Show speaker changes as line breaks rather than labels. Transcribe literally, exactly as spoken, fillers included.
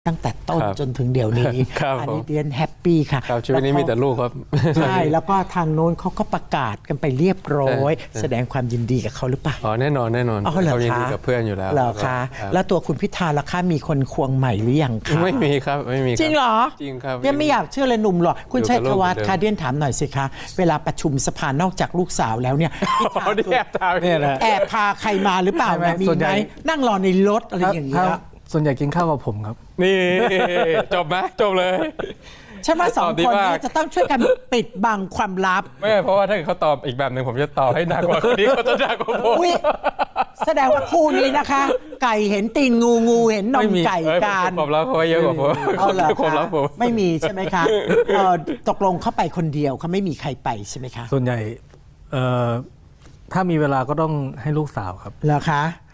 ตั้งแต่ต้นจนถึงเดี๋ยวนี้อันนี้เดียนแฮปปี้ค่ะ
ชีวิตนี้มีแต่ลูกครับ
ใช่แล้วก็ทางโน้นเขาก็ประกาศกันไปเรียบร้อยแสดงความยินดีกับเขาหรือเปล่า
อ๋อแน่นอนแน่นอน
เขา
ยินดีกับเพื่อนอยู่แล้ว
เหรอคะแล้วตัวคุณพิธาล่ะคะมีคนควงใหม่หรือยังคะ
ไม่มีครับไม่มี
จริงเหรอ
จริงครับ
ยังไม่อยากเชื่อเลยหนุ่มหรอคุณชัยธวัฒน์คะเดียนถามหน่อยสิคะเวลาประชุมสภานอกจากลูกสาวแล้วเนี่ยแอบพาใครมาหรือเปล่ามีไหมนั่งรอในรถอะไรอย่างเงี้ย
ส่วนใหญ่กินข้าวกับผมครับ
นี่จบไหมจบเลย
ฉันว่าสองคนนี้จะต้องช่วยกันปิดบังความลับ
ไม่เพราะว่าถ้าเขาตอบอีกแบบหนึ่งผมจะตอบให้หนักกว่าคนนี้เขาจะหนักกว่าผม
แสดงว่าคู่นี้นะคะ ไก่เห็นตีนงูงูเห็นนมไก่กัน
ความลับเขาเยอะกว่าผม
ความลับผมไม่มีใช่ไหมคะตกลงเข้าไปคนเดียวเขาไม่มีใครไปใช่ไหมคะ
ส่วนใหญ่ถ้ามีเวลาก็ต้องให้ลูกสาวครับ
เหรอคะ